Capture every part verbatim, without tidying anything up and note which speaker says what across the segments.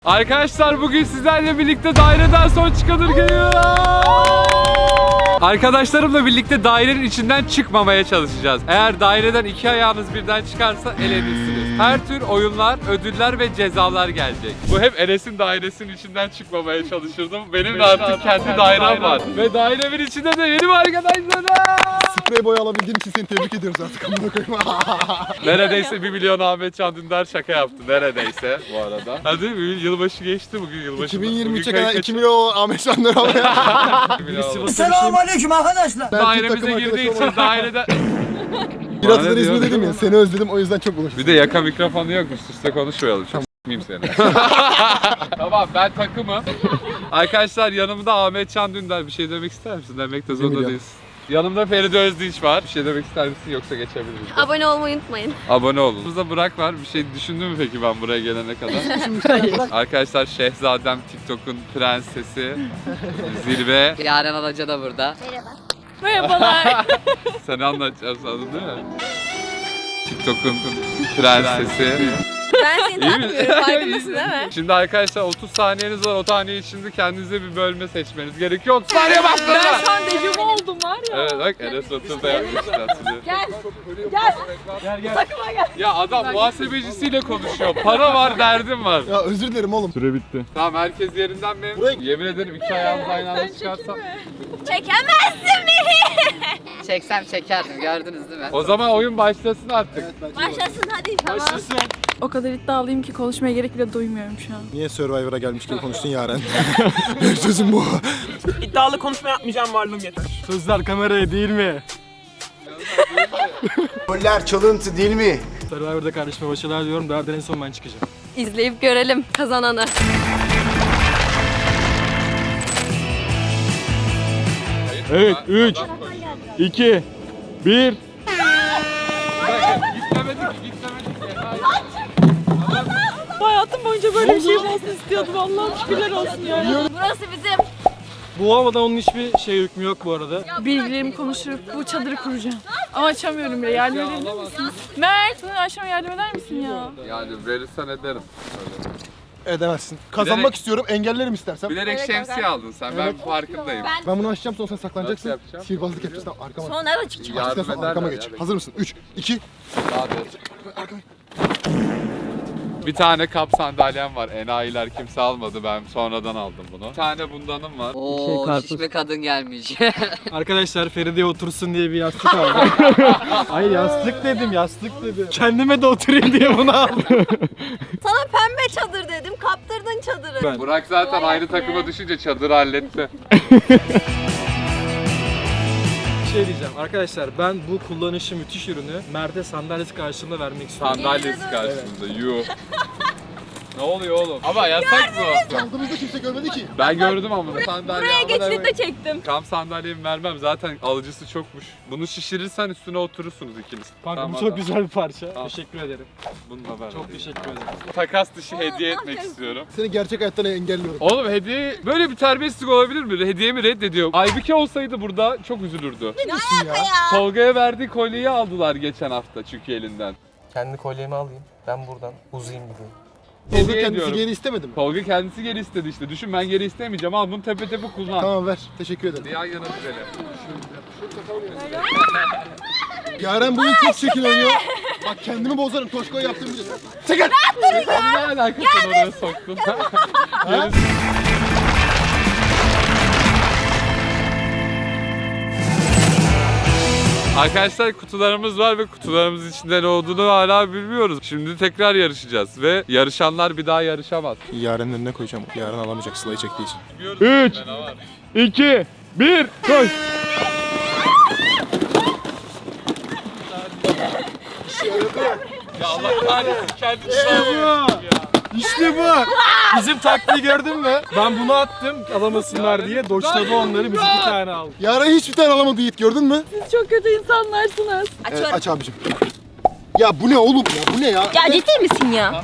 Speaker 1: Arkadaşlar bugün sizlerle birlikte daireden son çıkanır geliyor. Arkadaşlarımla birlikte dairenin içinden çıkmamaya çalışacağız. Eğer daireden iki ayağınız birden çıkarsa elenirsiniz. Her tür oyunlar, ödüller ve cezalar gelecek. Bu hep Enes'in dairesinin içinden çıkmamaya çalışırdım. Benim de artık kendi dairem var. Ve dairemin içinde de yeni bir arkadaşlarım.
Speaker 2: Sprey boya alabildiğin için seni tebrik ediyoruz artık.
Speaker 1: Neredeyse bir milyon Ahmet Can Dündar şaka yaptı. Neredeyse bu arada. Hadi yılbaşı geçti bugün yılbaşı.
Speaker 2: iki bin yirmi üçe kadar iki milyon Ahmet Can Dündar almaya.
Speaker 3: Selamünaleyküm arkadaşlar.
Speaker 1: Dairemize girdiği için dairede...
Speaker 2: Biraz da resmi dedim ya, seni özledim o yüzden çok buluştum.
Speaker 1: Bir de yaka mikrofonu yok, üst üste konuşmayalım. Çok s**miyim seni. Tamam, ben takımım. Arkadaşlar yanımda Ahmet Can Dündar. Bir şey demek ister misin? Demek de zorunda değilsin. Yanımda Feride Özdinç var. Bir şey demek ister misin yoksa geçebiliriz?
Speaker 4: Abone olmayı unutmayın.
Speaker 1: Abone olun. Burada Burak var. Bir şey düşündün mü peki ben buraya gelene kadar? Arkadaşlar Şehzadem, TikTok'un prensesi, zirve.
Speaker 5: Yaren Alaca da burada.
Speaker 4: Merhabalar.
Speaker 1: Seni anlatacağım sanırım değil mi? TikTok'un prensesi.
Speaker 4: Ben seni tanımıyorum, farkındasın değil mi?
Speaker 1: Şimdi arkadaşlar otuz saniyeniz var. O saniye içinde kendinize bir bölme seçmeniz gerekiyor. otuz saniye bastırın.
Speaker 4: Ben şu an dejavu oldum var ya.
Speaker 1: Evet bak Enes Batur da yapmışlar sizi.
Speaker 4: Gel. Gel. Gel gel. Takıma gel.
Speaker 1: Ya adam muhasebecisiyle konuşuyor. Para var, derdim var.
Speaker 2: Ya özür dilerim oğlum.
Speaker 1: Süre bitti. Tamam herkes yerinden mi?
Speaker 2: Buraya-
Speaker 1: Yemin ederim iki ayağımız aynı anda çıkarsam.
Speaker 4: Çekemezsin beni.
Speaker 5: Çeksem çekerdim, gördünüz değil mi?
Speaker 1: O zaman oyun başlasın artık.
Speaker 4: Başlasın hadi. Tamam.
Speaker 6: O kadar iddialıyım ki konuşmaya gerek bile duymuyorum şu an.
Speaker 2: Niye Survivor'a gelmiş gibi konuştun Yaren? Benim sözüm bu.
Speaker 3: İddialı konuşma yapmayacağım, varlığım yeter.
Speaker 2: Sözler kameraya değil mi?
Speaker 7: Roller çalıntı değil mi?
Speaker 8: Survivor'da kardeşime başarılar diyorum. Daha en son ben çıkacağım.
Speaker 4: İzleyip görelim kazananı.
Speaker 8: Evet, üç, iki, bir.
Speaker 1: Gitmemedik, gitmemedik.
Speaker 6: Hayatım boyunca böyle bir şey olsun istiyordum. Allah'ım şükürler olsun ya.
Speaker 4: Burası bizim.
Speaker 8: Bu olmadan onun hiçbir şey hükmü yok bu arada.
Speaker 6: Bilgilerimi konuşturup bu çadırı kuracağım. Ama açamıyorum bile. Yardım edebilir misin? Mert, bana aşağıma yardım eder misin ya?
Speaker 1: Yani verirsen ederim.
Speaker 2: Edemezsin. Kazanmak
Speaker 1: Bilerek-
Speaker 2: istiyorum, engellerim istersem.
Speaker 1: Bilerek şemsiye aldın sen. Ben farkındayım.
Speaker 2: Ben bunu açacağım, sonra sen saklanacaksın.
Speaker 1: Nasıl yapacağım?
Speaker 2: Sihirbazlık yapacağız, tamam arkama.
Speaker 4: Sonra nerede çıkacak?
Speaker 1: Yardım
Speaker 2: İstersen
Speaker 1: ederler
Speaker 2: arkama
Speaker 1: ya,
Speaker 2: geç.
Speaker 1: bekle.
Speaker 2: Hazır mısın? üç, iki.
Speaker 1: Hadi. Bir tane kap sandalyem var. Enayiler kimse almadı. Ben sonradan aldım bunu. Bir tane bundanım var.
Speaker 5: Oo, şişme kadın gelmiş.
Speaker 8: Arkadaşlar Feride otursun diye bir yastık aldım. Hayır yastık dedim, yastık dedim. Kendime de oturayım diye bunu aldım.
Speaker 4: Sana pembe çadır dedim, kaptırdın çadırı.
Speaker 8: Ben-
Speaker 1: Burak zaten aynı takıma düşünce çadırı halletti.
Speaker 8: Bir şey diyeceğim. Arkadaşlar ben bu kullanışı müthiş ürünü Mert'e sandalyesi karşılığında vermek istiyorum.
Speaker 1: Sandalyesi karşısında. Yuh. Ne oluyor oğlum? Ama yasak bu.
Speaker 2: Aldığımızda kimse görmedi ki.
Speaker 1: Ben gördüm ama bunu. Sandalye
Speaker 4: Buraya
Speaker 1: ama
Speaker 4: geçtiğinde
Speaker 1: demek-
Speaker 4: çektim.
Speaker 1: Kamp sandalyemi vermem. Zaten alıcısı çokmuş. Bunu şişirirsen üstüne oturursunuz ikiniz.
Speaker 8: Kanka
Speaker 1: Tamam,
Speaker 8: bu çok
Speaker 1: tamam.
Speaker 8: güzel bir parça.
Speaker 1: Tamam.
Speaker 8: Teşekkür ederim.
Speaker 1: Bunu da ver.
Speaker 8: Çok teşekkür ederim.
Speaker 1: Takas dışı hediye etmek istiyorum.
Speaker 2: Seni gerçek hayattan engelliyorum.
Speaker 1: Oğlum hediye böyle bir terbiyesizlik olabilir mi? Hediyemi reddediyorum. Aybüke olsaydı burada çok üzülürdü.
Speaker 2: Ya.
Speaker 1: Tolga'ya verdiği kolyeyi aldılar geçen hafta çünkü elinden.
Speaker 8: Kendi kolyemi alayım. Ben buradan uzayayım gideyim.
Speaker 2: Tolga
Speaker 1: Hediye
Speaker 2: kendisi
Speaker 1: ediyorum.
Speaker 2: geri istemedi mi?
Speaker 1: Tolga kendisi geri istedi işte. Düşün ben geri istemeyeceğim ama bunu tepe tepe kullan.
Speaker 2: Tamam ver. Teşekkür ederim.
Speaker 1: Bir yan yana düzelim.
Speaker 2: Yaren bugün çok çekin oynuyor. Bak kendimi bozarım. Toşko'ya yaptığım bir de. Çekil!
Speaker 1: Ne alakası oraya soktun? Gerisi- Arkadaşlar kutularımız var ve kutularımız içinde ne olduğunu hala bilmiyoruz. Şimdi tekrar yarışacağız ve yarışanlar bir daha yarışamaz.
Speaker 2: Yaren'in önüne koyacağım. Yaren alamayacak Sıla'yı çektiği için.
Speaker 8: üç, iki, bir, koş!
Speaker 1: Ya Allah kahretsin kendi sağlıyor.
Speaker 8: İşte bu. Bizim taktiği gördün mü? Ben bunu attım alamasınlar diye. Doçladı onları, biz iki tane aldık.
Speaker 2: Yaren hiçbir tane alamadı Yiğit, gördün mü?
Speaker 6: Siz çok kötü insanlarsınız.
Speaker 2: Evet, aç abicim. Ya bu ne oğlum ya? Bu ne ya?
Speaker 4: Ya ciddi misin ya?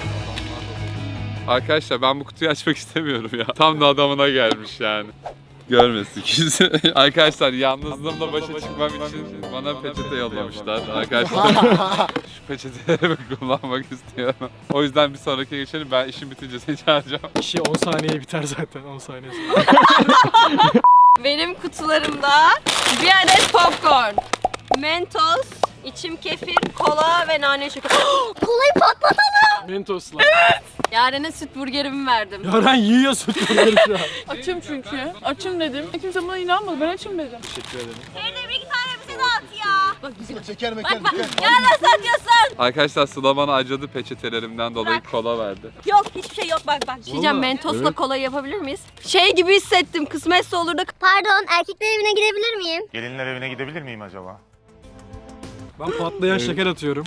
Speaker 1: Arkadaşlar ben bu kutuyu açmak istemiyorum ya. Tam da adamına gelmiş yani. Görmesin kimse. Arkadaşlar yalnızlığımla başa çıkmam için bana peçete yollamışlar. Arkadaşlar şu peçeteleri kullanmak istiyorum. O yüzden bir sonraki geçelim. Ben işim bitince seni çağıracağım.
Speaker 8: İşi on saniye biter zaten on saniye sonra.
Speaker 4: Benim kutularımda bir adet popcorn, Mentos, içim kefir, kola ve nane şeker. Kolayı patlatalım.
Speaker 8: Mentosla.
Speaker 4: Yaren'e süt burgerimi verdim.
Speaker 8: Yaren yiyorsun bunları şu an.
Speaker 6: Açım çünkü. Açım dedim. Kimse buna inanmadı. Ben açım dedim.
Speaker 8: Teşekkür ederim.
Speaker 4: Feride bir iki tane bize dağıt ya. Bak güzel.
Speaker 2: Çeker meker
Speaker 4: Bak bak.
Speaker 2: dikkat.
Speaker 4: Ya nasıl atıyorsun?
Speaker 1: Arkadaşlar Sıla bana acıdı peçetelerimden dolayı kola verdi.
Speaker 4: Yok hiçbir şey yok bak bak. Bir şey diyeceğim, Mentos'la kolayı yapabilir miyiz? Şey gibi hissettim, kısmetse olur da.
Speaker 9: Pardon, erkekler evine gidebilir miyim?
Speaker 7: Gelinler evine gidebilir miyim acaba?
Speaker 8: Ben patlayan şeker atıyorum.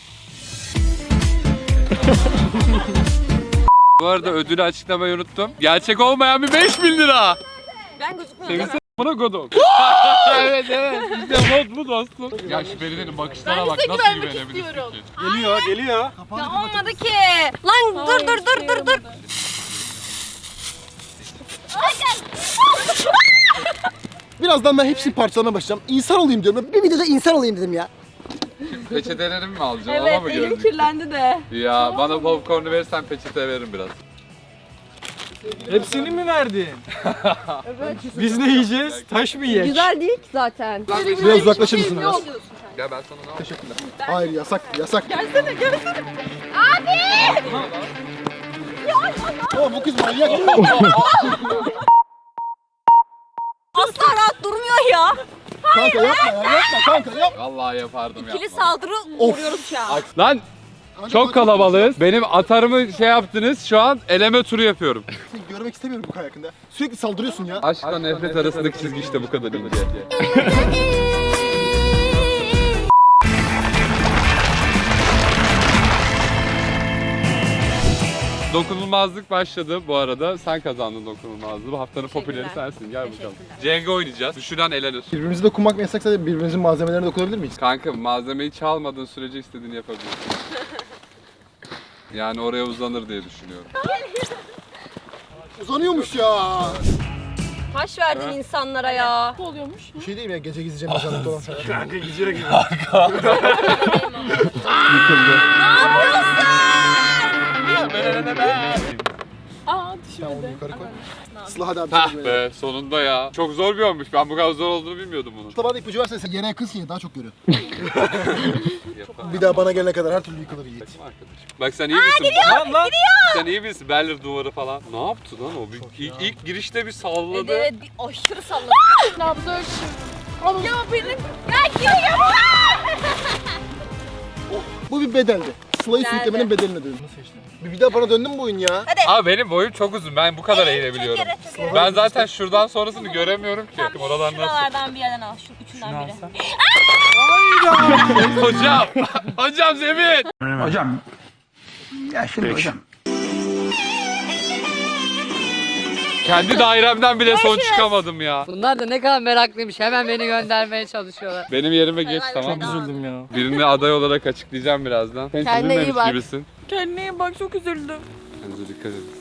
Speaker 1: Bu arada ödülü açıklamayı unuttum. Gerçek olmayan bir beş bin lira.
Speaker 4: Ben gözükmüyorum.
Speaker 1: Sevinse buna godok. Evet evet. İşte mod bu dostum. Ya şu Feride'nin bakışlara bak nasıl
Speaker 6: güvenmek
Speaker 1: güvenebilirsin
Speaker 6: istiyorum.
Speaker 1: ki?
Speaker 8: Geliyor geliyor.
Speaker 4: Ya olmadı ki. Lan dur dur dur dur dur.
Speaker 2: Birazdan ben hepsini parçalamaya başlayacağım. İnsan olayım diyorum. Bir videoda insan olayım dedim ya.
Speaker 1: Peçetelerimi mi alacaksın? Ona
Speaker 4: Evet
Speaker 1: mı
Speaker 4: elim
Speaker 1: gözlük?
Speaker 4: kirlendi de.
Speaker 1: Ya bana popcornu verirsen peçete veririm biraz.
Speaker 8: Hepsini mi verdin? Biz ne yiyeceğiz? Taş mı yiyeceğiz?
Speaker 4: Güzel değil ki zaten.
Speaker 2: Biraz uzaklaşır mısın biraz?
Speaker 1: Ya ben sana ne yapayım?
Speaker 2: Teşekkürler. Hayır yasak yasak.
Speaker 4: Gelsene gelsene. Abi!
Speaker 2: Oğlum bu kız manyak.
Speaker 4: Asla rahat durmuyor ya.
Speaker 2: Kanka yapma ya yapma kanka yapma.
Speaker 1: Vallahi yapardım
Speaker 4: İkili
Speaker 1: yapma.
Speaker 4: saldırı uğruyoruz şu an.
Speaker 1: Lan çok kalabalığız. Benim atarımı şey yaptınız. Şu an eleme turu yapıyorum.
Speaker 2: Seni görmek istemiyorum bu kay hakkında. Sürekli saldırıyorsun ya.
Speaker 1: Aşkla nefret arasındaki çizgi işte bu kadar ince. Dokunulmazlık başladı bu arada. Sen kazandın dokunulmazlığı. Bu haftanın popüleri
Speaker 4: Teşekkürler.
Speaker 1: sensin. Gel bakalım.
Speaker 4: Teşekkürler.
Speaker 1: Cenga oynayacağız. Düşüren elenir.
Speaker 2: Birbirimizi dokunmak mı yasaksa da birbirimizin malzemelerine dokunabilir miyiz?
Speaker 1: Kanka malzemeyi çalmadığın sürece istediğini yapabilirsin. Yani oraya uzanır diye düşünüyorum.
Speaker 2: Uzanıyormuş ya.
Speaker 4: Taş verdin insanlara ya.
Speaker 6: Ne oluyormuş?
Speaker 2: Bir şey değil mi ya gece gizleyeceğim mezarlıkta olan falan.
Speaker 8: Kanka gidiyor gibi.
Speaker 6: Aa düşmedi.
Speaker 2: Yukarı koy. Sıla hadi abi.
Speaker 1: Hah
Speaker 2: sen de
Speaker 1: be sonunda ya. Çok zor bir oyunmuş. Ben bu kadar zor olduğunu bilmiyordum bunun.
Speaker 2: Sıla bana ipucu versen sen yere yakınsın ya daha çok görüyorsun.
Speaker 1: Yapar.
Speaker 2: Bir daha bana gelene kadar her türlü yıkılır Yiğit.
Speaker 1: Takım arkadaşım. Bak sen iyi misin?
Speaker 8: Lan lan.
Speaker 1: Sen iyi misin? Berlir duvarı falan. Ne yaptı lan o? Bir, ilk, ilk girişte bir salladı.
Speaker 4: Evet bir aşırı salladı.
Speaker 6: Nabzı ölçüyorum. Ya benim.
Speaker 2: Bu bir bedeldi. Sıla'yı
Speaker 4: Nerede?
Speaker 2: sürüklemenin bedelini ödedim. Bir, bir daha bana döndü mü bu oyun ya?
Speaker 1: Abi benim boyum çok uzun. Ben bu kadar eğilebiliyorum. Ben zaten şuradan sonrasını göremiyorum ki. Oralar nasıl?
Speaker 4: Şuralardan bir yerden al. Şu üçünden biri.
Speaker 1: Hocam! Hocam Zemin!
Speaker 3: Hocam. Ya şimdi hocam.
Speaker 1: Kendi dairemden bile son çıkamadım ya.
Speaker 5: Bunlar da ne kadar meraklıymış. Hemen beni göndermeye çalışıyorlar.
Speaker 1: Benim yerime geç tamam.
Speaker 6: Çok
Speaker 8: Üzüldüm ya.
Speaker 1: Birini aday olarak açıklayacağım birazdan. Sen
Speaker 4: Kendine iyi
Speaker 1: üzülmemiş
Speaker 4: bak.
Speaker 1: gibisin.
Speaker 6: Kendine iyi bak, çok üzüldüm.
Speaker 1: Kendinize dikkat edin.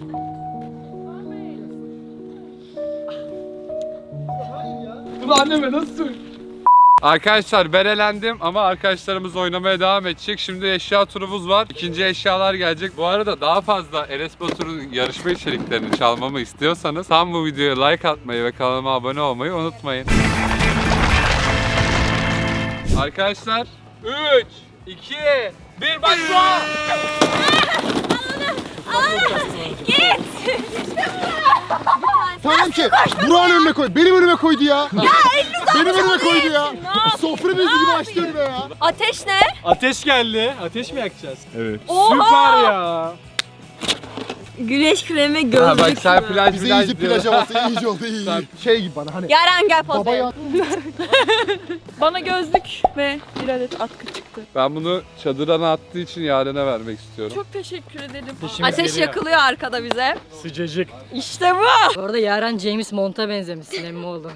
Speaker 1: Bunu anneme nasıl söyleyeyim? Arkadaşlar ben elendim ama arkadaşlarımız oynamaya devam edecek. Şimdi eşya turumuz var. İkinci eşyalar gelecek. Bu arada daha fazla Enes Batur'un yarışma içeriklerini çalmamı istiyorsanız tam bu videoya like atmayı ve kanalıma abone olmayı unutmayın. Arkadaşlar üç, iki, bir başla!
Speaker 2: Tamam ki Burak'ın önüne koy. Benim önüme koydu ya. Ya Benim önüme koydu ya. Sofra bezi gibi açtı önüme ya.
Speaker 4: Ateş ne?
Speaker 8: Ateş geldi. Ateş mi yakacağız?
Speaker 1: Evet.
Speaker 8: Süper ya.
Speaker 4: Güneş kremi
Speaker 1: Ha
Speaker 4: gözlük.
Speaker 1: bak sen plaj
Speaker 2: Bize
Speaker 1: plaj
Speaker 2: iyice
Speaker 1: diyor.
Speaker 2: plaj havası iyice oldu iyi iyi. Şey gibi bana hani.
Speaker 4: Yaren gel
Speaker 2: Baba
Speaker 4: potaya.
Speaker 2: ya.
Speaker 6: Bana gözlük ve bir adet atkı çıktı.
Speaker 1: Ben bunu çadırana attığı için Yaren'e vermek istiyorum.
Speaker 6: Çok teşekkür ederim.
Speaker 8: Ateşimiz
Speaker 4: Ateş
Speaker 8: geliyor.
Speaker 4: yakılıyor arkada bize.
Speaker 8: Sıcacık.
Speaker 4: İşte bu.
Speaker 5: Bu arada Yaren James Bond'a benzemişsin emmi oldu.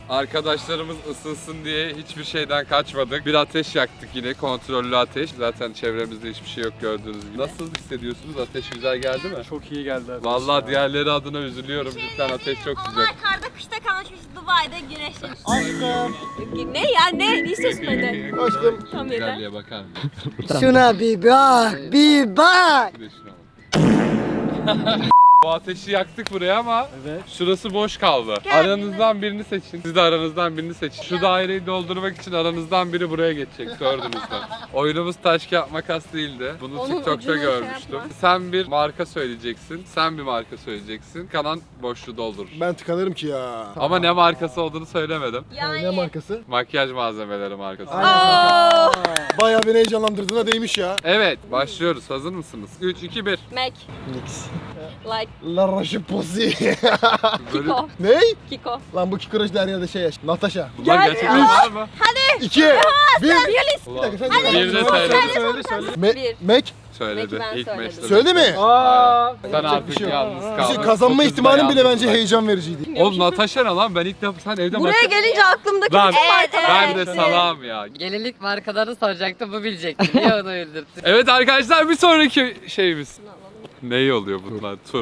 Speaker 1: Arkadaşlarımız ısınsın diye hiçbir şeyden kaçmadık. Bir ateş yaktık yine, kontrollü ateş. Zaten çevremizde hiçbir şey yok gördüğünüz gibi. Nasıl hissediyorsunuz? Ateş güzel geldi mi?
Speaker 8: Çok iyi geldi. ateş
Speaker 1: Vallahi
Speaker 8: ya.
Speaker 1: diğerleri adına üzülüyorum. Cidden ateş çok sıcak.
Speaker 9: Onlar karda kışta kalmışmış Dubai'de güneşlemiş.
Speaker 2: Aşkım.
Speaker 4: Ne ya ne? Ne istiyorsun benden?
Speaker 2: Aşkım.
Speaker 4: Tam yeter.
Speaker 1: Güzelliğe bakar mısın?
Speaker 5: Şuna bir bak, bir bak.
Speaker 1: Bir de şuna bak. Bu ateşi yaktık buraya ama
Speaker 8: Evet.
Speaker 1: şurası boş kaldı. Aranızdan birini seçin. Siz de aranızdan birini seçin. Şu daireyi doldurmak için aranızdan biri buraya geçecek dördünüzden. Oyunumuz taş kağıt makas değildi. Bunu
Speaker 4: Onun
Speaker 1: TikTok'ta
Speaker 4: ucunu şey
Speaker 1: görmüştüm.
Speaker 4: yapma.
Speaker 1: Sen bir marka söyleyeceksin. Sen bir marka söyleyeceksin. Kanan boşluğu doldurur.
Speaker 2: Ben tıkanırım ki ya.
Speaker 1: Ama ne markası olduğunu söylemedim.
Speaker 2: Ne markası?
Speaker 1: Makyaj malzemeleri markası.
Speaker 4: Aa,
Speaker 2: Bayağı beni heyecanlandırdığına değmiş ya.
Speaker 1: Evet, başlıyoruz. Hazır mısınız? üç, iki, bir.
Speaker 4: Mac.
Speaker 2: Nix.
Speaker 4: Like.
Speaker 2: La Roche Posay.
Speaker 1: Böyle...
Speaker 4: Kiko.
Speaker 2: Ne?
Speaker 4: Kiko.
Speaker 2: Lan bu Kiko Roche her yerde şey yaş. Natasha.
Speaker 1: Bunlar
Speaker 4: Gel
Speaker 1: gerçekten
Speaker 4: ya.
Speaker 1: var mı?
Speaker 2: İki. Bir.
Speaker 1: Ulan,
Speaker 2: dakika, sen
Speaker 1: bir
Speaker 2: söyle.
Speaker 1: de
Speaker 2: Söyle,
Speaker 1: söyledi.
Speaker 8: Söyle söyle.
Speaker 2: Me
Speaker 4: Bir.
Speaker 2: Mac.
Speaker 1: Söyledi.
Speaker 4: Belki ben
Speaker 1: İlk
Speaker 4: söyledim.
Speaker 1: meşte.
Speaker 2: Söyledi mi?
Speaker 8: Aa.
Speaker 1: Sen
Speaker 2: Yapacak bir
Speaker 1: artık
Speaker 2: şey yok.
Speaker 1: yalnız
Speaker 2: Bir
Speaker 1: kaldın.
Speaker 2: şey kazanma
Speaker 1: Dokuzda
Speaker 2: ihtimalin bile
Speaker 1: yalnız
Speaker 2: bence
Speaker 1: bırak.
Speaker 2: heyecan vericiydi.
Speaker 1: Oğlum Natasha ne lan? Ben ilk defa sen evde
Speaker 4: Buraya
Speaker 1: makyaj-
Speaker 4: gelince aklımdaki
Speaker 1: Lan
Speaker 4: bütün markalar
Speaker 1: ben de
Speaker 4: hepsi.
Speaker 1: salam ya.
Speaker 5: Gelinlik markalarını soracaktım, bu bilecekti. Niye onu öldürdün?
Speaker 1: Evet arkadaşlar bir sonraki şeyimiz. Ne oluyor bunlar? Tur.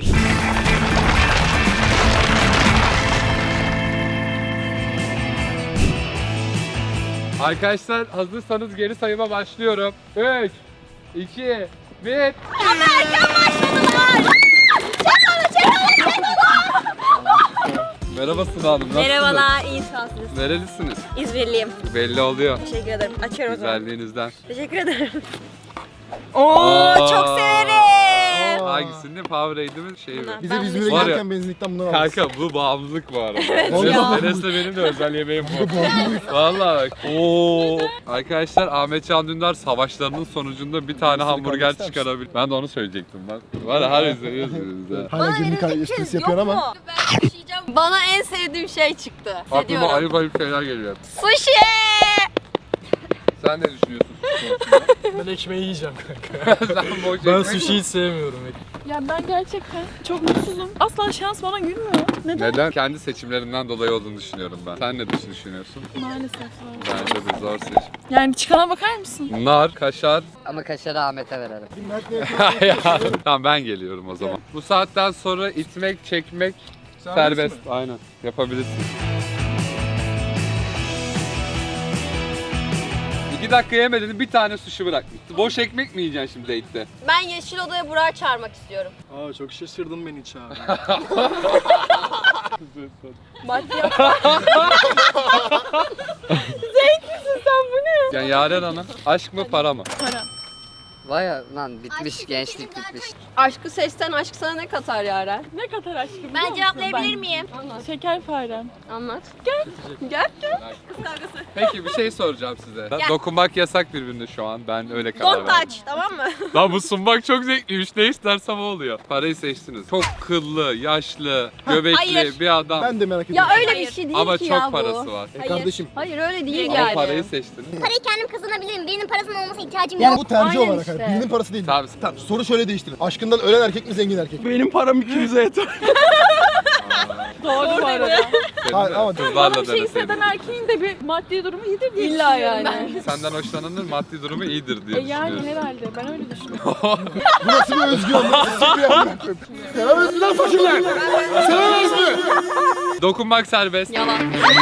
Speaker 1: Arkadaşlar hazırsanız geri sayıma başlıyorum. üç, iki, bir. Merhaba Sıla Hanım, nasılsınız?
Speaker 4: Merhabalar, iyi şanslısınız.
Speaker 1: Nerelisiniz?
Speaker 4: İzmirliyim.
Speaker 1: Belli oluyor.
Speaker 4: Teşekkür ederim. Açıyorum o zaman.
Speaker 1: Güzelliğinizden.
Speaker 4: Teşekkür ederim. Oo,
Speaker 1: Aa.
Speaker 4: çok severim.
Speaker 1: Hangisini? Powerade mi? Şey mi?
Speaker 4: Bunlar.
Speaker 2: Bize
Speaker 4: Ben
Speaker 2: İzmir'e
Speaker 1: Var ya-
Speaker 2: giderken benzinlikten bundan aldık.
Speaker 1: Kanka bu bağımlılık bu arada.
Speaker 2: ya.
Speaker 1: Neresi benim de özel yemeğim bu. Vallahi bak. Oo. Arkadaşlar Ahmet Can Dündar savaşlarının sonucunda bir tane hamburger
Speaker 2: ister misin?
Speaker 1: çıkarabil. Ben de onu söyleyecektim lan. Var ya her izliyoruz ya.
Speaker 2: Hala günlük esprisi yapıyorsun ama.
Speaker 4: Ben yaşayacağım. Bana en sevdiğim şey çıktı.
Speaker 1: Aklıma
Speaker 4: Hissediyorum.
Speaker 1: ayıp ayıp şeyler geliyor.
Speaker 4: Sushi!
Speaker 1: Sen ne düşünüyorsun?
Speaker 8: Ben ekmeği yiyeceğim kanka.
Speaker 1: Sen boş
Speaker 8: Ben
Speaker 1: ekmek-
Speaker 8: sushi hiç sevmiyorum.
Speaker 6: Ya ben gerçekten çok mutsuzum. Asla şans bana gülmüyor. Neden?
Speaker 1: Neden? Kendi seçimlerinden dolayı olduğunu düşünüyorum ben. Sen ne düşünüyorsun?
Speaker 6: Maalesef var.
Speaker 1: Bence de zor seçim.
Speaker 6: Yani çıkana bakar mısın?
Speaker 1: Nar, kaşar.
Speaker 5: Ama kaşarı Ahmet'e verelim.
Speaker 1: Tamam ben geliyorum o zaman. Bu saatten sonra itmek, çekmek serbest. Aynen. Yapabilirsin. İki dakika yemedin bir tane sushi bırakmıştı. Boş ekmek mi yiyeceksin şimdi date'te?
Speaker 4: Ben Yeşil Oda'ya Burak'ı çağırmak istiyorum.
Speaker 8: Aa çok şaşırdın beni çağır.
Speaker 4: Maddiyat. Zevklisin sen bu ne?
Speaker 1: Yani Yaren Hanım, aşk mı para mı?
Speaker 6: Para.
Speaker 5: Vay ya lan, bitmiş, gençlik bitmiş.
Speaker 4: Aşkı seçsen aşk sana ne katar Yaren?
Speaker 6: Ne kadar aşkım biliyor
Speaker 9: Ben
Speaker 6: musun
Speaker 9: cevaplayabilir
Speaker 6: ben?
Speaker 9: miyim?
Speaker 4: Anlat.
Speaker 6: Şeker farem.
Speaker 4: Anlat. Gel. Gel gel.
Speaker 1: Peki bir şey soracağım size. Dokunmak yasak birbirine şu an. Ben öyle karar
Speaker 4: Don't
Speaker 1: verdim.
Speaker 4: touch, tamam mı?
Speaker 1: Lan bu sunmak çok zevkliymiş. Ne istersem o oluyor. Parayı seçtiniz. Çok kıllı, yaşlı, göbekli
Speaker 4: Hayır.
Speaker 1: bir adam.
Speaker 2: Ben de merak
Speaker 4: Ya
Speaker 2: ediyorum.
Speaker 4: öyle
Speaker 9: Hayır.
Speaker 4: bir şey değil
Speaker 1: Ama
Speaker 4: ki
Speaker 1: çok
Speaker 4: ya bu.
Speaker 1: parası var.
Speaker 2: E kardeşim.
Speaker 4: Hayır öyle değil
Speaker 1: Ama
Speaker 4: yani.
Speaker 1: parayı seçtiniz.
Speaker 9: Parayı kendim kazanabilirim. Birinin parasının olmasına ihtiyacım
Speaker 2: Yani
Speaker 9: yok.
Speaker 2: bu tercih
Speaker 4: Aynen
Speaker 2: olarak.
Speaker 4: işte.
Speaker 2: hani Birinin parası değil.
Speaker 1: Tamam.
Speaker 2: Tamam, soru şöyle değiştirin. Aşkından ölen erkek mi zengin erkek mi?
Speaker 8: Benim param ikimize yeter.
Speaker 6: Doğru bu arada.
Speaker 2: Hayır, ama-
Speaker 6: Bana
Speaker 1: Kızlarla
Speaker 6: bir şey hisseden
Speaker 1: deneseydin.
Speaker 6: erkeğin de bir maddi durumu iyidir diye
Speaker 4: İlla
Speaker 6: düşünüyorum
Speaker 4: yani.
Speaker 1: Senden hoşlananın maddi durumu iyidir diye
Speaker 6: ben. E yani
Speaker 1: düşünüyorsun.
Speaker 6: herhalde ben öyle düşünüyorum.
Speaker 2: Bu nasıl bir özgüven? Nasıl bir amına koyayım? Sevemez mi lan fakirler? Sevemez mi?
Speaker 1: Dokunmak serbest.
Speaker 4: Yalan.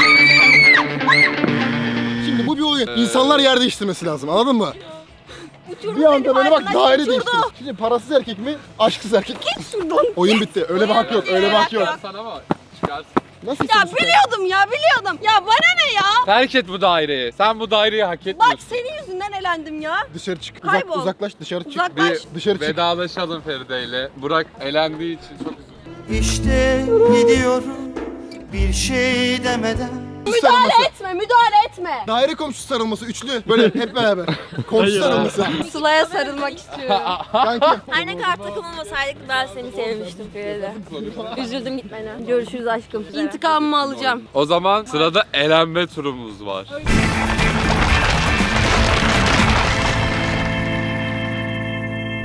Speaker 2: Şimdi bu bir oyun. İnsanlar yer değiştirmesi lazım, anladın mı?
Speaker 4: Uçurdu
Speaker 2: Bir anda böyle bak
Speaker 4: aydınlaş,
Speaker 2: daire
Speaker 4: uçurdu.
Speaker 2: değiştirir. Şimdi parasız erkek mi, aşksız erkek mi? Oyun bitti. Öyle bir hak yok, öyle bir hak yok.
Speaker 1: Sana bak. Çıkarsın.
Speaker 2: Nasıl
Speaker 4: Ya
Speaker 2: istiyorsun?
Speaker 4: biliyordum ya biliyordum. Ya bana ne ya?
Speaker 1: Terk et bu daireyi. Sen bu daireyi hak
Speaker 4: Bak
Speaker 1: etmiyorsun.
Speaker 4: senin yüzünden elendim ya.
Speaker 2: Dışarı çık. Uzak,
Speaker 4: Kaybol.
Speaker 2: uzaklaş, dışarı çık.
Speaker 4: Uzaklaş.
Speaker 1: Bir
Speaker 2: Dışarı çık.
Speaker 1: vedalaşalım Feride ile. Burak elendiği için çok üzüldüm.
Speaker 3: İşte gidiyorum bir şey demeden.
Speaker 4: Müdahale etme, müdahale etme.
Speaker 2: Daire komşusu sarılması, üçlü. Böyle hep beraber. Komşu sarılması.
Speaker 4: Sıla'ya sarılmak istiyorum.
Speaker 2: Kanki.
Speaker 4: Her ne kadar takım olmasaydık ben seni sevmiştim Feride. Üzüldüm gitmene. Görüşürüz aşkım. İntikamımı alacağım.
Speaker 1: O zaman sırada elenme turumuz var.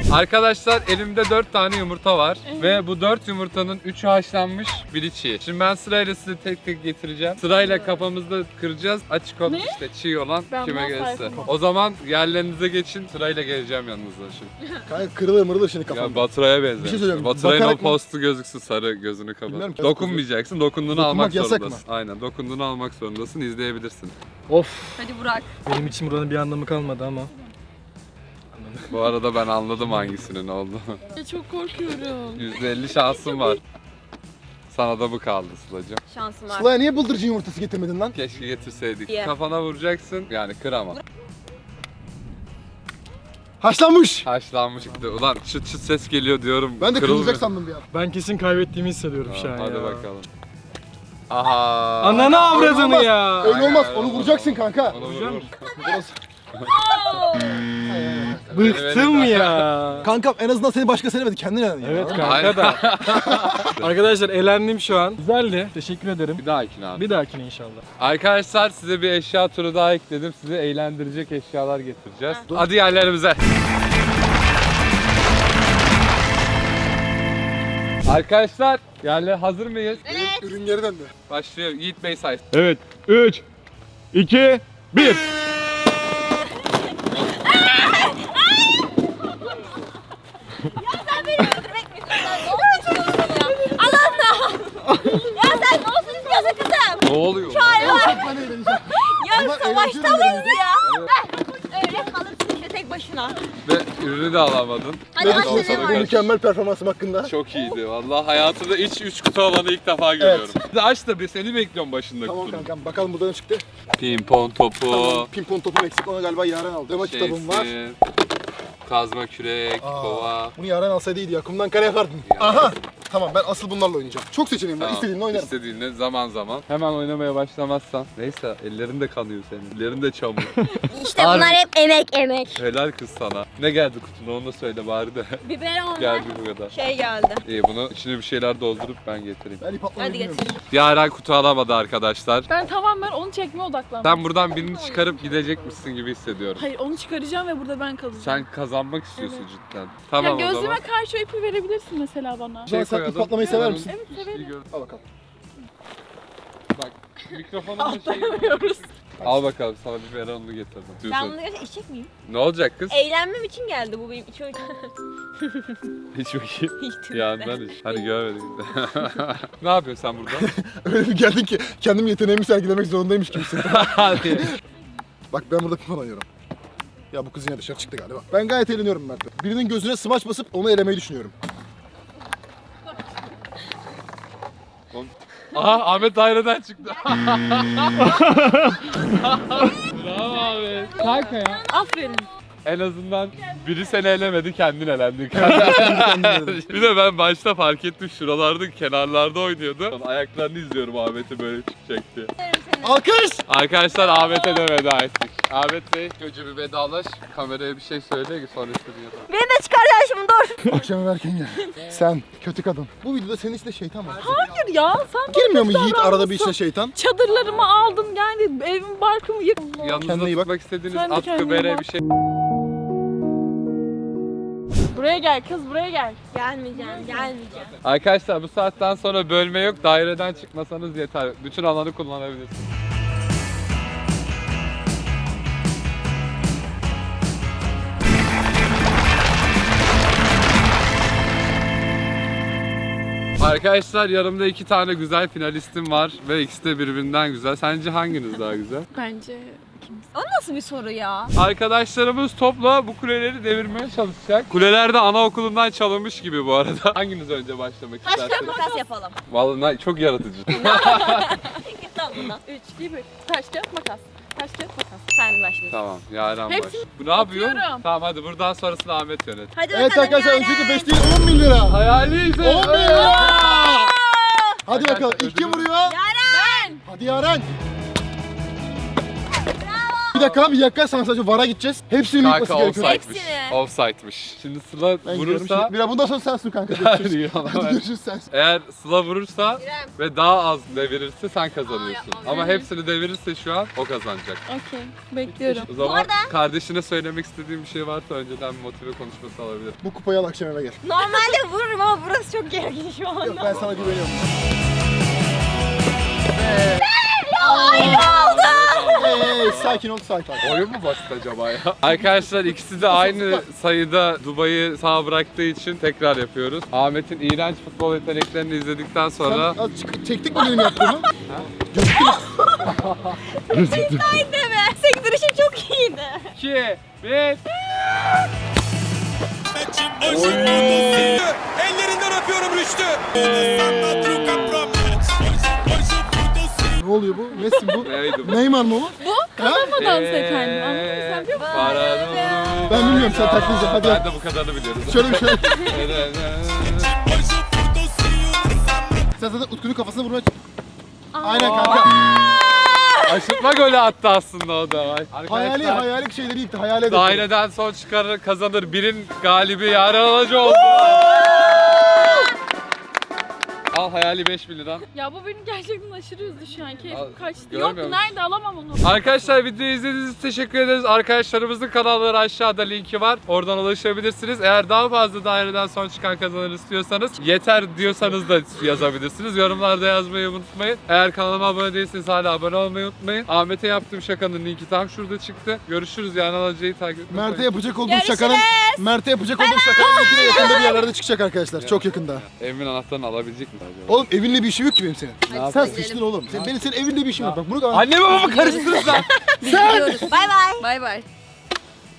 Speaker 1: Arkadaşlar elimde dört tane yumurta var ve bu dört yumurtanın üçü haşlanmış, biri çiğ. Şimdi ben sırayla size tek tek getireceğim. Sırayla kafamızda kıracağız. Açık olup işte çiğ olan
Speaker 6: Ben
Speaker 1: kime
Speaker 6: bundan
Speaker 1: gelirse.
Speaker 6: sayfam.
Speaker 1: O zaman yerlerinize geçin. Sırayla geleceğim yanınıza şimdi.
Speaker 2: Kanka kırılır mırılır şimdi kafam.
Speaker 1: Ya Batıray'a benzer.
Speaker 2: Bir şey söyleyeyim,
Speaker 1: Batıray'ın o
Speaker 2: bakarak mı-
Speaker 1: postu gözüksün, sarı gözünü
Speaker 2: Bilmiyorum
Speaker 1: kapat.
Speaker 2: ki.
Speaker 1: Dokunmayacaksın. Dokunduğunu
Speaker 2: Dokunmak
Speaker 1: almak
Speaker 2: yasak
Speaker 1: zorundasın.
Speaker 2: mı?
Speaker 1: Aynen. Dokunduğunu almak zorundasın. İzleyebilirsin.
Speaker 8: Of.
Speaker 4: Hadi Burak.
Speaker 8: Benim için buranın bir anlamı kalmadı ama.
Speaker 1: Bu arada ben anladım hangisinin olduğunu.
Speaker 6: Ya çok korkuyorum.
Speaker 1: yüzde elli şansım var. Sana da bu kaldı Sıla'cığım.
Speaker 4: Şansım var.
Speaker 2: Sıla'ya niye bıldırcın yumurtası getirmedin lan?
Speaker 1: Keşke getirseydik.
Speaker 4: Ye.
Speaker 1: Kafana vuracaksın. Yani kır ama.
Speaker 2: Haşlanmış.
Speaker 1: Haşlanmış çıktı. Ulan çıt çıt ses geliyor diyorum.
Speaker 2: Ben de
Speaker 1: Kırılmıyor.
Speaker 2: kırılacak sandım bir an.
Speaker 8: Ben kesin kaybettiğimi hissediyorum şu
Speaker 1: Tamam,
Speaker 8: an
Speaker 1: hadi
Speaker 8: ya.
Speaker 1: bakalım. Aha.
Speaker 8: Ananı avradını
Speaker 2: Olmaz.
Speaker 8: ya.
Speaker 2: Öyle olmaz.
Speaker 1: Aynen,
Speaker 2: Onu
Speaker 1: öyle
Speaker 2: vuracaksın
Speaker 1: olmaz.
Speaker 2: kanka.
Speaker 1: Onu vur, vur.
Speaker 8: Bıktım ya.
Speaker 2: Kankam en azından seni başkası elemedi. Kendin elendin. ya.
Speaker 8: Evet
Speaker 1: Aynen.
Speaker 8: kanka da. Arkadaşlar elendim şu an. Güzeldi. Teşekkür ederim.
Speaker 1: Bir dahakine abi.
Speaker 8: Bir dahakine inşallah.
Speaker 1: Arkadaşlar size bir eşya turu daha ekledim. Sizi eğlendirecek eşyalar getireceğiz. Hadi yerlerimize. Arkadaşlar yerler hazır mıyız?
Speaker 2: Ürün geri döndü.
Speaker 1: Başlıyor. Yiğit Bey say.
Speaker 8: Evet. üç, iki, bir.
Speaker 9: Sen beni öldürmek mi istiyorsun? Ne olsun istiyorsun ya? Allah'ım. Ya sen ne olsun istiyorsun kızım?
Speaker 1: Ne oluyor?
Speaker 2: Çok ben eğleneceğim.
Speaker 9: Ya
Speaker 2: Ama
Speaker 9: savaşta
Speaker 2: eğlenceli
Speaker 9: mıyız
Speaker 2: bir
Speaker 9: ya? Öyle kalırsın işte tek başına.
Speaker 1: Ve ürünü de alamadın.
Speaker 9: Hadi
Speaker 2: Ne
Speaker 9: başla
Speaker 2: düşünüyorsun
Speaker 9: ne
Speaker 2: benim
Speaker 9: var?
Speaker 2: mükemmel performansım hakkında?
Speaker 1: Çok iyiydi. Vallahi hayatımda iç üç kutu olanı ilk defa görüyorum. Hadi aç da bir seni bekliyorum başında
Speaker 2: Tamam
Speaker 1: kutunun.
Speaker 2: kankam bakalım burada ne çıktı.
Speaker 1: Pimpon topu.
Speaker 2: Tamam, pimpon topum eksik. Onu galiba Yaren aldı. Demo kitabım var.
Speaker 1: şeysi, Kazma kürek,
Speaker 2: Aa,
Speaker 1: kova.
Speaker 2: Bunu Yaren alsaydı iyiydi ya. Kumdan kare yapardın. Aha. Tamam ben asıl bunlarla oynayacağım. Çok seçeneğim var.
Speaker 1: Tamam,
Speaker 2: İstediğinle oynarım.
Speaker 1: İstediğinle zaman zaman. Hemen oynamaya başlamazsan. Neyse ellerin de kanıyor senin. Ellerin de çamur.
Speaker 9: İşte bunlar hep emek emek.
Speaker 1: Helal kız sana. Ne geldi kutuna onu da söyle bari de.
Speaker 4: Biberon.
Speaker 1: Geldi bu kadar.
Speaker 4: Şey geldi.
Speaker 1: İyi bunu içine bir şeyler doldurup ben getireyim.
Speaker 2: Ben ip atlamayı
Speaker 4: Hadi
Speaker 2: bilmiyorum.
Speaker 4: getir.
Speaker 1: Yaren kutu alamadı arkadaşlar.
Speaker 6: Ben tamamen onu çekmeye odaklandım.
Speaker 1: Sen buradan birini çıkarıp gidecekmişsin gibi hissediyorum.
Speaker 6: Hayır onu çıkaracağım ve burada ben kalacağım.
Speaker 1: Sen kazanmak istiyorsun
Speaker 6: Evet.
Speaker 1: cidden.
Speaker 6: Ya
Speaker 1: Tamam o
Speaker 6: gözlüme
Speaker 1: zaman.
Speaker 6: karşı o ipi verebilirsin mesela bana.
Speaker 1: Şey
Speaker 2: Sen ip
Speaker 1: koyalım.
Speaker 2: atlamayı sever
Speaker 1: Ben
Speaker 2: misin?
Speaker 1: onu
Speaker 6: Evet, severim.
Speaker 1: iyi gördüm.
Speaker 2: Al bakalım.
Speaker 1: Bak mikrofonun da şeyi var.
Speaker 6: Atlayamıyoruz.
Speaker 1: Al bakalım sana bir veranını getirdim.
Speaker 4: Ben
Speaker 1: Diyorsun.
Speaker 4: bunu gerçekten içecek miyim?
Speaker 1: Ne olacak kız?
Speaker 4: Eğlenmem için geldi bu benim için.
Speaker 1: Hiç bakayım.
Speaker 4: Hiç
Speaker 1: Yandan iç. Hadi görmedik. Ne yapıyorsun sen burada?
Speaker 2: Öyle bir geldin ki kendim yeteneğimi sergilemek zorundaymış gibi hissettim.
Speaker 1: Hadi.
Speaker 2: Bak ben burada pimpon oynuyorum. Ya bu kız yine dışarı çıktı galiba. Ben gayet eğleniyorum Mert. Birinin gözüne smaç basıp onu elemeyi düşünüyorum.
Speaker 1: Aha Ahmet daireden çıktı. Bravo Ahmet. Kanka ya.
Speaker 6: Aferin.
Speaker 1: En azından biri seni elemedi, kendin elendin. Bir de ben başta fark ettim şuralarda kenarlarda oynuyordu. Ayaklarını izliyorum Ahmet'i böyle çıkacak diye.
Speaker 2: Alkış!
Speaker 1: Arkadaşlar Ahmet'e de veda ettik. Ahmet Bey önce bir vedalaş. Kameraya bir şey söyle sonra istediğin yapalım.
Speaker 4: Beni de çıkar ya şimdi dur.
Speaker 2: Akşam erken gel. Sen kötü kadın. Bu videoda senin içinde şeytan var.
Speaker 6: Hayır ya sen
Speaker 2: Girmiyor mu Yiğit arada bir
Speaker 6: davranmışsın.
Speaker 2: içine şeytan?
Speaker 6: Çadırlarımı aldın yani evimi barkımı yıktın.
Speaker 1: Yanınızda
Speaker 2: Kendine iyi bak.
Speaker 1: tutmak istediğiniz
Speaker 6: Sen de
Speaker 1: atkı,
Speaker 6: kendine
Speaker 1: bere
Speaker 6: bak.
Speaker 1: bir şey.
Speaker 6: Buraya gel kız buraya gel.
Speaker 4: Gelmeyeceğim, gelmeyeceğim.
Speaker 1: Arkadaşlar bu saatten sonra bölme yok. Daireden çıkmasanız yeter. Bütün alanı kullanabilirsiniz. Arkadaşlar yanımda iki tane güzel finalistim var ve ikisi de birbirinden güzel. Sence hanginiz daha güzel?
Speaker 6: Bence
Speaker 4: O nasıl bir soru ya?
Speaker 1: Arkadaşlarımız topla bu kuleleri devirmeye çalışacak. Kuleler de anaokulundan çalınmış gibi bu arada. Hanginiz önce başlamak
Speaker 4: Taş kağıt
Speaker 1: isterseniz?
Speaker 4: makas yapalım.
Speaker 1: Vallahi çok yaratıcı.
Speaker 4: Git lan bundan.
Speaker 6: üç, iki, bir. Taş kağıt makas. Taş kağıt makas.
Speaker 4: Sen başlıyorsun.
Speaker 1: Tamam, Yaren baş.
Speaker 6: Hepsini
Speaker 1: Bu ne yapıyor?
Speaker 6: atıyorum.
Speaker 1: Tamam hadi buradan sonrasını Ahmet yönet.
Speaker 4: Hadi
Speaker 2: Evet
Speaker 4: bakalım
Speaker 2: arkadaşlar
Speaker 4: Yaren.
Speaker 2: öncelikle beş değil on bin lira.
Speaker 1: Hayali ise...
Speaker 2: on bin lira. Hadi bakalım
Speaker 1: Arkadaşlar,
Speaker 2: ilk kim
Speaker 1: ödülü-
Speaker 2: vuruyor?
Speaker 4: Yaren!
Speaker 2: Hadi Yaren. Bir dakika bir dakika sana sadece vara gideceğiz. Hepsinin
Speaker 1: Kanka
Speaker 2: yıkması gerekiyor.
Speaker 1: offside'miş.
Speaker 4: Hepsini.
Speaker 1: Offside'miş. Şimdi Sıla
Speaker 2: Ben gidiyorum
Speaker 1: vurursa...
Speaker 2: şimdi. Biraz bundan sonra sensin kanka. Görüşürüz. Hadi görüşürüz sensin.
Speaker 1: Eğer Sıla vurursa
Speaker 4: İrem.
Speaker 1: ve daha az devirirse sen kazanıyorsun. Ama hepsini devirirse şu an o kazanacak.
Speaker 6: Okey. Bekliyorum.
Speaker 1: O zaman kardeşine söylemek istediğim bir şey varsa önceden bir motive konuşması alabilir.
Speaker 2: Bu kupayı al akşam eve gel.
Speaker 4: Normalde vururum ama burası çok gergin şu anda.
Speaker 2: Yok ben sana güveniyorum.
Speaker 4: Aynı oldu.
Speaker 2: Hey, hey, sakin ol sakin ol.
Speaker 1: Oyun mu basit acaba ya? Arkadaşlar ikisi de aynı sayıda Dubai'yi sağ bıraktığı için tekrar yapıyoruz. Ahmet'in iğrenç futbol yeteneklerini izledikten sonra...
Speaker 2: Az çık- çektik mi benim yaptığımı?
Speaker 4: Aynı deme. Sektirişim çok iyiydi.
Speaker 1: iki, bir...
Speaker 10: Ellerinden öpüyorum Rüştü.
Speaker 2: Ne oluyor bu? Messi bu?
Speaker 1: Neydi bu?
Speaker 2: Neymar mı o?
Speaker 6: Ama dans efendim. Anladın mı sen biliyor musun?
Speaker 2: Ben bilmiyorum sen taklideceksin hadi
Speaker 1: Ben
Speaker 2: yap.
Speaker 1: de bu kadarını biliyorum.
Speaker 2: Şöyle bir şey. Sen zaten Utku'nun kafasına vurmaya... Aynen kanka.
Speaker 1: Aşırtma golü attı aslında o da.
Speaker 2: Hayali
Speaker 1: Arkadaşlar,
Speaker 2: hayali şeyleri yıktı. Hayal edelim.
Speaker 1: daireden son çıkarır kazanır. Birin galibi Yaren Alıcı oldu. Al hayali beş bin lira.
Speaker 6: Ya bu benim gerçekten aşırı üzdü şu an.
Speaker 1: Al,
Speaker 6: Keyfim kaçtı.
Speaker 1: görmüyor
Speaker 6: Yok
Speaker 1: musun?
Speaker 6: nerede alamam onu.
Speaker 1: Arkadaşlar videoyu izlediğiniz için teşekkür ederiz. Arkadaşlarımızın kanalları aşağıda linki var. Oradan ulaşabilirsiniz. Eğer daha fazla daireden son çıkan kazanır istiyorsanız yeter diyorsanız da yazabilirsiniz. Yorumlarda yazmayı unutmayın. Eğer kanalıma abone değilseniz hala abone olmayı unutmayın. Ahmet'e yaptığım şakanın linki tam şurada çıktı. Görüşürüz yani Alıcı'yı takip etmeyi.
Speaker 2: Mert'e yapacak olduğum
Speaker 4: Görüşürüz.
Speaker 2: şakanın Mert'e yapacak olduğum şakanın linkine yakında bir yerlerde çıkacak arkadaşlar. Çok yakında.
Speaker 1: Evimin anahtarını alabilecek mi acaba?
Speaker 2: Oğlum evinle bir işim yok ki benim senin. Sen sıçtın oğlum. Sen, benim senin evinle bir işim yok. Bak bunu
Speaker 1: Annemi babamı karıştırırsan.
Speaker 4: Gidiyoruz. Bay bay.
Speaker 6: Bay bay.